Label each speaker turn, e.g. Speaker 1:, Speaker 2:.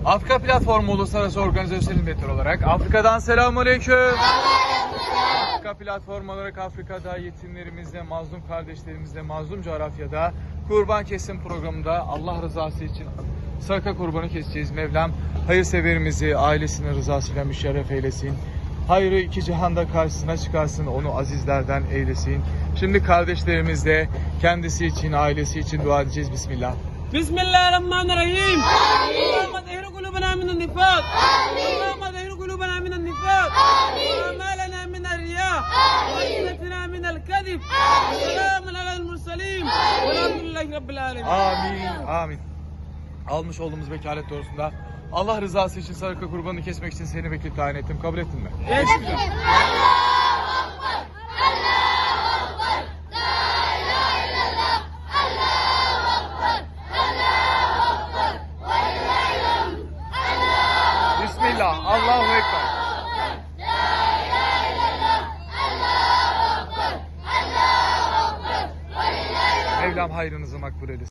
Speaker 1: Afrika Platformu Uluslararası Organizasyon Hizmetleri olarak Afrika'dan selamünaleyküm. Afrika Platformu olarak Afrika'da yetimlerimizle, mazlum kardeşlerimizle, mazlum coğrafyada kurban kesim programında Allah rızası için sadaka kurbanı keseceğiz. Mevlam hayırseverimizi ailesinin rızasıyla müşerref eylesin. Hayrı iki cihanda karşısına çıkarsın, onu azizlerden eylesin. Şimdi kardeşlerimizle kendisi için, ailesi için dua edeceğiz. Bismillah.
Speaker 2: Bismillahirrahmanirrahim. Allahümme zehir kulubena minen nifak. Allahümme zehir kulubena minen nifak. Ve amalena minel riya. Ve ismetina minel kadib. Selamun alel mursalim. Velhamdülillahi Rabbil alemin.
Speaker 1: Amin, amin. Almış olduğumuz vekalet doğrusunda Allah rızası için sadaka kurbanını kesmek için seni vekil tayin ettim. Kabul ettin mi?
Speaker 2: Evet.
Speaker 1: Bismillah. Allahu Ekber. Mevlam hayrınızı makbul eylesin.